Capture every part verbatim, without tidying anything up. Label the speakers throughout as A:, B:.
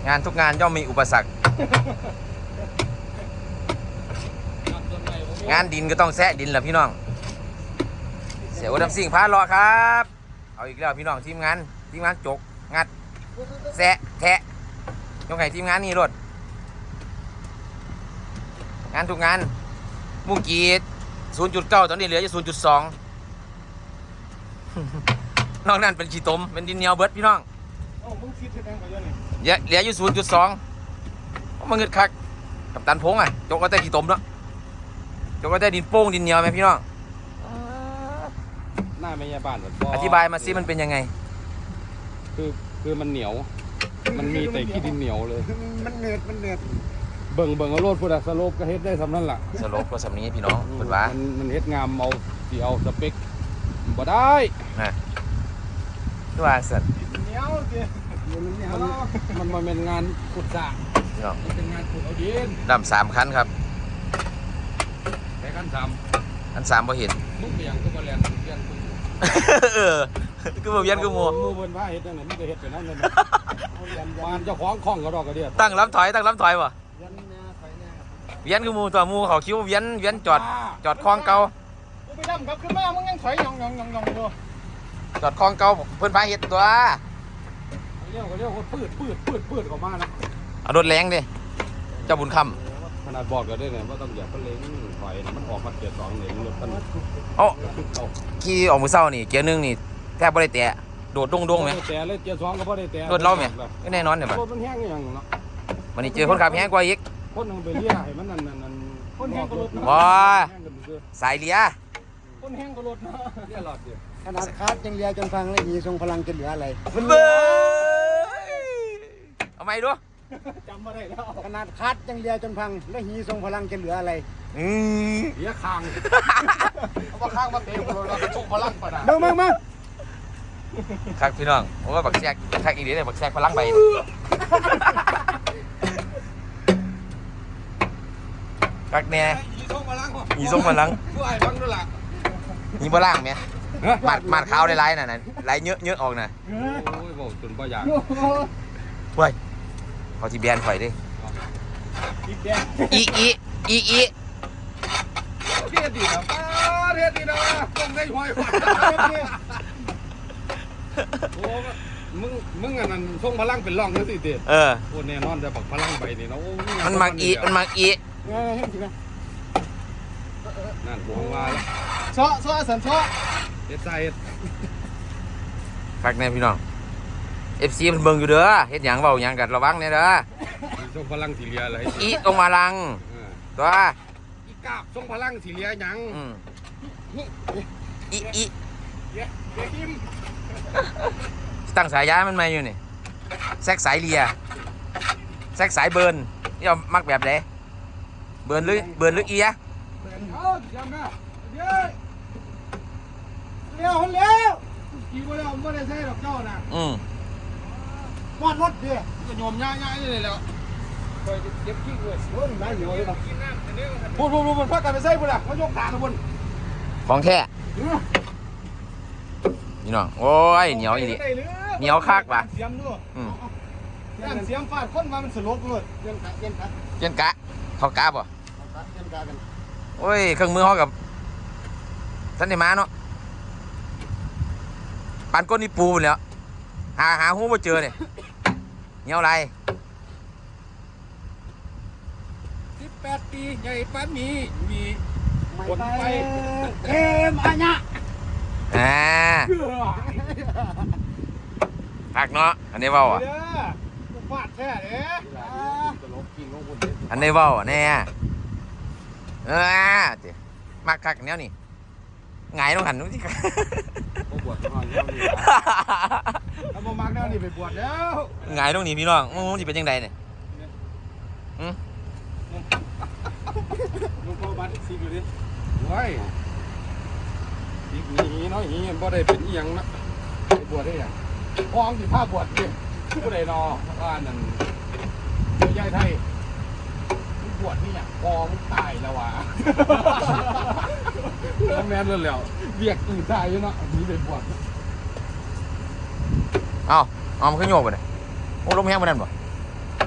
A: งานทุกงานย่อมมีอุปสรรคงานดินก็ต้องแซะดินแหละพี่น้องเสียอุดมสิ่งพารอครับเอาอีกแล้วพี่น้องทีมงานทีมงานจกงัดแซะแทะยกให้ทีมงานนี่รถงานทุกงานมุ้งกีด ศูนย์จุดเก้า ตอนนี้เหลืออยู่ ศูนย์จุดสอง นอกนั้นเป็นขี้ตมเป็นดินเหนียวเบิดพี่น้องเหลืออยู่ ศูนย์จุดสอง มันเงิดคักกับตันพงอ่ะจกก็แต่ขี้ตมเนาะจกก็แต่ดินโป้งดินเหนียวไหมพี่น้อง
B: หน้าไม่ยาบ้าน
A: อธิบายมาซิมันเป็นยังไง
B: คือคือมันเหนียวมันมีแต่ขี้ดินเหนียวเลย
C: มันเนืดมันเนืด
B: เบิ่งเบิ่งเอาโลดพุทธสโลปก็เฮ็ดได้สำนั่นแหละ
A: สโลปก็สำนี้พี่น้องเปิดว่า
B: มันมันเฮ็ดงามเอาที่เอาสเปคบ่ได้
A: นะตัวสัตว์
C: เหนียวเจ้
B: มันมันเป็นงานขุดสระมันเป็นงานขุดเอาดิน
A: ดำสามคันครับ
B: แค่คันสาม
A: คันสามพอเห็น
B: มุกเบี่ยงก็มาแลนเบี่ยง
A: เออคือบ่เวียนคือมัว
B: มือเบิ่นว่าเฮ็ดจังได๋มันก็เฮ็ดไปนั่นเลยบ้านเจ้าของคล่องก็ดอกกระเดีย
A: ตั้งลำถอยตั้งลำถอยบ่เวียนคือมูตัวมูเขาคิ้วเวียนเวียนจอดจอดคลองเก่า
C: ไปดำครับขึ้นมามึงยังถอยยองยองยองยองอยู่
A: จอดคลองเก่าเพิ่นพาเฮ็ดตัว
B: เรียกเขาเรียกว่าปืดปืดปืดปืดออกมานะ
A: เอารถแรงดิเจ้าบุญค
B: ำขนาดบอกก็ได้เนี่ยว่าต้องอย่าเพิ่งเล้งถอยมันออกมาเกียร์สองเนี่ยรถมัน
A: เอ้าขี่ออกมือเศร้านี่เกียร์หนึ่งนี่แทบไม่ได้แตะโดดดงดงไหม
B: แต่เลยเกียร์สองก็ไม่ได้แตะ
A: รถเราไหมก็แน่นอนเนี่ย
B: รถมันแห้งอย่างเนาะ
A: วันนี้เจอคนขับแห้งกว่าอีก
B: คนนึงไปเลี้ยให้มันนั่นนั่น
C: คนแห้งก็รถ
A: ว้าสายเลี้ย
C: คนแห้งก็รถเนาะ
B: เลี้ยหลอดเดียว
C: ขนาดคาดยังเลี้ยจนฟังเลยหีทรงพลังจะเหลืออะไร
A: มันเบ้อเอาไหมดู
C: จำมาได้แล้วขนาดคัดยังเลียจนพังแล้วหีทรงพลังจะเหลืออะไร
A: อืม
B: เลียคางเอาว่าคางมาเตะเราเราจะทรงพลังป่ะนะ
C: มึงมึงมึง
A: ครับพี่น้องผมว่าบักแซกคักอีกเดี๋ยวบักแซกพลังใบคักแน่
B: หีทรงพลัง
A: หีทรงพลัง
B: ผู้ไอ้บังด้วยล่ะ
A: หีพลังไหมมาดมาดขาวได้ไรน่ะน่ะไรเยอะเยอะออกน่ะ
B: โอ้ยบอกจนบ่อยาก
A: เว้ยเขาที่แบนข่อยดิอีอีอีอี
B: เทียดดีนะเทียดดีนะต้องได้หอยหวานโอ้มึงมึงอันนั้นทรงพลังเป็นร่องนั่นสิเด็ด
A: เออ
B: โอ้แน่นอนแต่บักพลังใบนี่นะโอ้
A: มันมักอีมันมักอี
B: นั่นหัวว่าแล้ว
C: ซ้อซ้อสันซ้อ
B: เฮ็ดใจเฮ็ด
A: คักแน่พี่น้องเอฟซีมันเบิ่งอยู่เด้อเฮ็ดหยังเว้าหยังกันระวังแน่เด้อ
B: ทรงพลังสีเหลียอะไร
A: อีตรงมาลังตัว
B: อีกาบทรงพลังสีเหลียหยัง
A: อีอี
B: เดี๋ยวทิม
A: ตั้งสายย้ายมันมาอยู่นี่แซกสายเลียแซกสายเบิร์นนี่เอามักแบบไหนเบิร์นหรือเบิร์นหรืออีอะ
C: เอาจำนะเดี๋ยวเลี้ยวเลี้ยวกี่คนแล้วไม่ได้ใช่ดอกเจ้านะ
A: อืม
C: วาดรถเดี๋ยว
B: ก็โยมย่ายๆเลยแล้วคอยเจ็บขี้เลย
C: โอ้ยได้เหนียวเลยนะพูดพูดพูดพักกันไปใส่พุ่นอ่ะมายกตาทุกคน
A: ของแท้นี่น้องโอ้ยเหนียวอีนี่เหนียวคักป่ะ
C: เสียมด้วยย่านเสียมฟาดคนมามันสลบเลยเจียนกะเจียนกะ
A: เจียนกะเขากะป่ะ
C: เจียนกะกัน
A: โอ้ยเครื่องมือเขากับท่านได้มาเนาะปานก้นนี่ปูแล้วหาหาหูมาเจอเนี่ยเหนียวอะไร
B: สิบแปดปีใหญ่ป้ามีมี
C: คนไปเอ็มอันเนี้ย
A: อ่าหักเนาะอันนี้เว้าอ่ะ
C: ฟาดแท้เด้
A: อันนี้เว้าแน่เออเดี๋ยวมากคักแนวนี่ไงต้องหันนู้นที่
B: บวชก่อนแล้วนี่
C: เอาโมมักแนวนี่ไปบวชแล้ว
A: ไงต้องหนีพี่น้องมึงจะเป็นยังไงเนี่ยอืม
B: ลุงพ่อบัตรซีอยู่ดิว้ายอีกนี้น้อยนี้บ่ได้เป็นอีหยังนะไปบวชได้ยังพ้องสิผ้าบวชดิผู้ใดนอว่านั่นเจ้าใหญ่ไทยบวชนี่อย่างพอมึงตายแล้ววะแล้วแม่นเลยแล้วเบียกอื่นตายอยู่เนาะนี่เป็นบวช
A: เอ้าเอามันขึ้นโยกไปเลยโอ้ลมแห้งไปนั่นป่ะ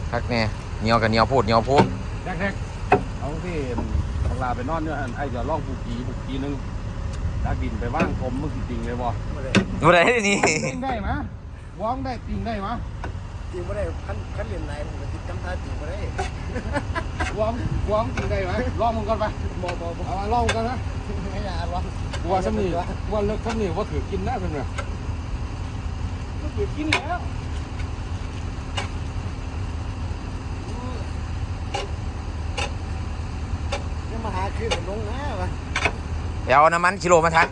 A: คักแน่เหนียวกับเหนียวพูดเหนียวพูด
B: แท็กๆเอาที่บักลาไปนอนเนี่ยไอ้จะล่องผูกีผูกีนึงดักดินไปว่างผมมึงจริงเลยบ่
A: บ่ได้นี่
B: ติงได้ไหมว้องได้ติงได้ไหม
C: จริงไม่ได้ขั้นขั้นเรียนไหนผมก็ติดจำท่าจริงไม่ได้
B: ว้องว้องติงได้ไหมลองมึงก่อนไป
C: บอกบอกบอก
B: เอามาลองกันนะ
C: ไม่ยากหรอก
B: ว่าซ้ำนี่ว่าเลิกซ้ำนี่ว่าถือกินได้เป็นไง
C: ก็คือกินแล้วนี่มาหาคือผมลงนะวะ
A: ไปเอาน้ำมันกิโลมาทา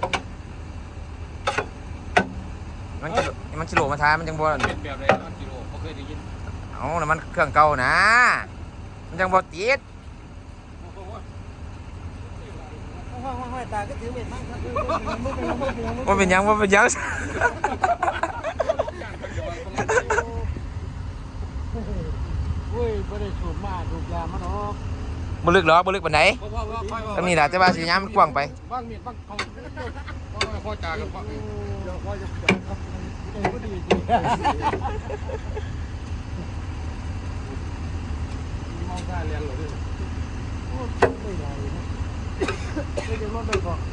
A: มันกิโลมันกิโลมาทามันจังบ่
B: เป็นแบบไรนะกิโลเขาเคยได้ยิน
A: เอาน้ำมันเครื่องเก่านะมันจังบ่ติด
C: ห้อยห้อยห้อยตาก็ถือเม็ดมั่งครับ
A: ว่าเป็นหยังว่าเป็นหยัง
C: เว้ยไม่ได้สูบมาสูบยามันออก
A: บ่ลึกหรอกบ่ลึกปานใดตรงนี้ล่ะแต่ว่าสิยามมันกว้างไป
B: บ้างมีดบ้างเขาพ่อจากันพ่อ
C: เดี๋ยวพ่อจะจบครับเออก็ดีดี
B: มองได้เรียนหรือ
C: ไม่ไหวนะไม่จะรถไปก่อน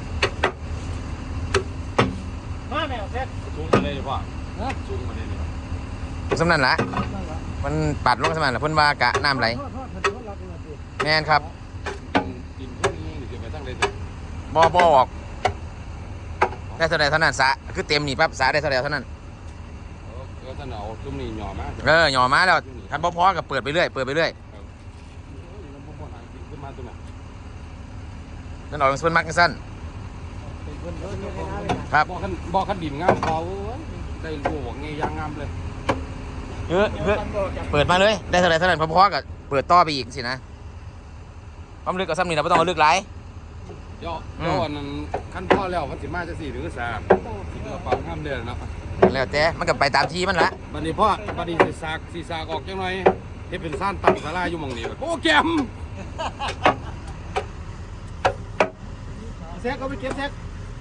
C: มาแมวแท็ก
B: สูงมาเลยพ่อสูงมาเลย
A: สำนั้นล่ะ
C: นั่นแหละ
A: มันปัดลงสำนั้นล่ะเพิ่นว่ากะน้ำไหล
C: ทอดทอดทอดรักเลยสิ
A: แม่นครับ
B: กินพวกนี้เดี๋ยวไปตั้งเลย
A: บ่บ่ออกได้เท่าใดเท่านั้นสะคือเต็มนี่ปั๊บสะได้เท่าใดเท่านั้น
B: เออท่านเอาจุ่มนี่หย่อมา
A: เออหย่อมาแล้วคันบ่พอก็เปิดไปเรื่อยเปิดไปเรื่อย
B: ขึ้นมาตัวน่ะ
A: นั่นออกเป็นส่วนมักจังซั่น
C: เป็นคนเยอะแยะเลยนะครับ
B: บ่อขันบ่อขันดินงามเขาได้รู้ว่าไงยางงามเลย
A: เออเออเปิดมาเลยได้เท่าใดเท่านั้นพอๆก็เปิดต่อไปอีกสินะความลึกกับซ้ำนี่เราบ่ต้องเอาลึกหลาย
B: ย่อย่อนั้นขั้นพ่อแล้วมันสิมาจะสี่หรือสามที่เราฟังห้ามเดือนเนาะ
A: แล้วแต่มันก็ไปตามที่มันละ
B: บัดนี้พ่อบัดนี้สิสากสิสากออกจังหน่อยเฮ็ดเป็นซ่านตั้งศาลาอยู่หม่องนี้โอ้แกม
C: แซกก็ไปเก็บแซก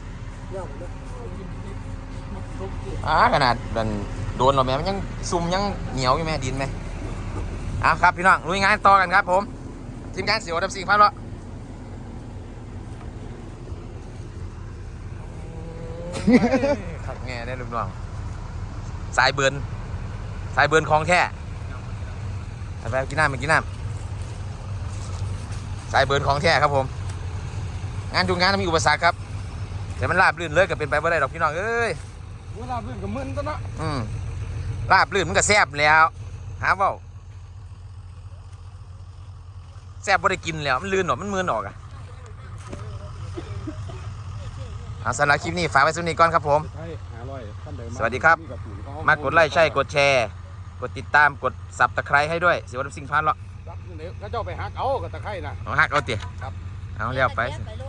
A: อ่าขนาดมันโดนเราแม่มันยังซุ่มยังเหนียวอยู่แม่ดินไหมอ่ะครับพี่น้องลุยงานต่อกันครับผมทีมงานเสียวดับสิ่งพันละขัดแง่ได้ลูกน้องสายเบิร์นสายเบิร์นคลองแท้ไปกินน้ำไปกินน้ำสายเบิร์นคลองแท้ครับผมงานทุกงานต้องมีอุปสรรคครับแต่มันราบลื่นเลยก็เป็นไปไม่ได้หรอกพี่น้องเอ้ย
B: เวลาพื้นกับมึนตัวเนาะ
A: อืมราบลื่นมันก็แซ่บแล้วหาเว่าแซ่บบ่ได้กินแล้วมันลื่นหรอมันมืนออกอะเอาสำหรับคลิปนี้ฝากไว้สุดนี้ก่อนครับผม
B: ใช่หาร้อยท่านเดิม
A: สวัสดีครับ มากดไลค์ใช่กดแชร์กดติดตามกดสับตะไคร้ให้ด้วยเสียวดับสิ่งพันละ
B: เดี๋ยวเขาเจ้าไปหักเอากับตะไคร่นะ
A: เอาหักเอาเตี๋ย
B: ครับ
A: เอาเรียบไป
D: ไปโล